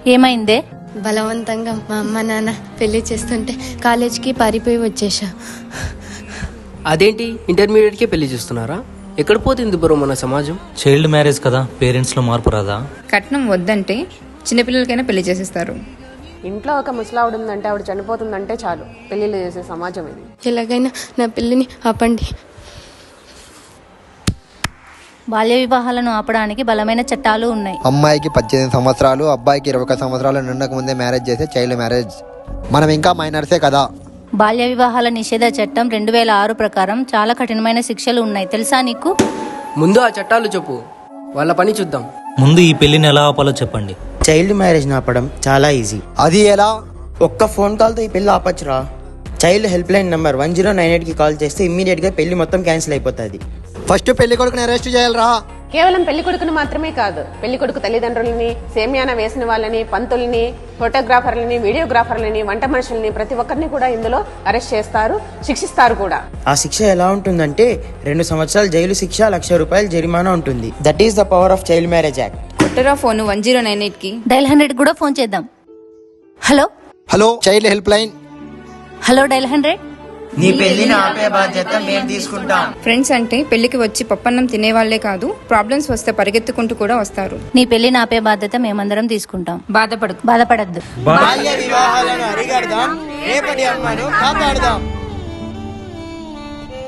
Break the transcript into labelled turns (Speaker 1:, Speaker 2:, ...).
Speaker 1: ఏమైందే?
Speaker 2: బలవంతంగా మా అమ్మ నాన్న పెళ్లి చేస్తుంటే కాలేజ్కి పారిపోయి వచ్చేసా.
Speaker 3: అదేంటి, ఇంటర్మీడియట్కే పెళ్లి చేస్తున్నారా? ఎక్కడ పోతుంది బ్రో మన సమాజం?
Speaker 4: చైల్డ్ మ్యారేజ్ కదా, పేరెంట్స్లో మార్పు రాదా?
Speaker 5: కట్నం వద్దంటే చిన్నపిల్లలకైనా పెళ్లి చేసేస్తారు.
Speaker 6: ఇంట్లో ఒక ముసలావిడ ఉందంటే ఆవిడ చనిపోతుందంటే చాలు పెళ్లిళ్ళు చేసే సమాజం ఇది.
Speaker 2: ఎలాగైనా నా పెళ్లిని ఆపండి.
Speaker 1: బాల్య వివాహాలను ఆపడానికి బలమైన చట్టాలు ఉన్నాయి.
Speaker 7: అమ్మాయికి 18 సంవత్సరాలు, అబ్బాయికి 21 సంవత్సరాలు నిండక ముందే మ్యారేజ్ చేస్తే చైల్డ్ మ్యారేజ్. మనం ఇంకా మైనర్సే కదా.
Speaker 1: బాల్య వివాహాల నిషేధ చట్టం 2006 ప్రకారం చాలా కఠినమైన శిక్షలు ఉన్నాయి, తెలుసా నీకు?
Speaker 3: ముందు ఆ చట్టాలు చెప్పు, వాళ్ళ పని చూద్దాం.
Speaker 4: ముందు ఈ పెళ్లిని ఎలా ఆపాలో చెప్పండి.
Speaker 8: చైల్డ్ మ్యారేజ్ ఆపడం చాలా ఈజీ.
Speaker 7: అది ఎలా?
Speaker 8: ఒక్క ఫోన్ కాల్తో ఈ పెళ్లి ఆపచ్చురా. చైల్డ్ హెల్ప్ లైన్ నంబర్ 1098కి కాల్ చేస్తే ఇమ్మీడియట్గా పెళ్లి మొత్తం క్యాన్సిల్ అయిపోతుంది.
Speaker 7: ఫస్ట్ పెళ్లి కొడుకుని అరెస్ట్ చేయాలరా.
Speaker 6: కేవలం పెళ్లి కొడుకును మాత్రమే కాదు, పెళ్లి కొడుకు తల్లిదండ్రులని, సేమ్యాన వేసిన వాళ్ళని, పంతుల్ని, ఫోటోగ్రాఫర్లని, వీడియోగ్రాఫర్లని, వంట మనుషుల్ని, ప్రతి ఒక్కరిని కూడా ఇందులో అరెస్ట్ చేస్తారు, శిక్షిస్తారు కూడా.
Speaker 8: ఆ శిక్ష ఎలా ఉంటుందంటే 2 సంవత్సరాలు జైలు శిక్ష, ₹1,00,000 జరిమానా ఉంటుంది. That is the power of child marriage act.
Speaker 5: కొట్టరా ఫోన్ 1098కి.
Speaker 1: డైల్ 100 కూడా ఫోన్ చేద్దాం. Hello
Speaker 7: hello, child help line.
Speaker 1: Hello, dial 100.
Speaker 8: నీ పెళ్లిని ఆపే బాధ్యత మేము తీసుకుంటాం.
Speaker 5: ఫ్రెండ్స్ అంటే పెళ్లికి వచ్చి పప్పన్నం తినేవాళ్లే కాదు, ప్రాబ్లమ్స్ వస్తే పరిగెత్తుకుంటూ కూడా వస్తారు.
Speaker 1: నీ పెళ్లిని ఆపే బాధ్యత మేమందరం తీసుకుంటాం. బాధపడద్దు.
Speaker 8: బాల్య వివాహాలను అరికడదాం, రేపటి అమ్మను కాపాడదాం.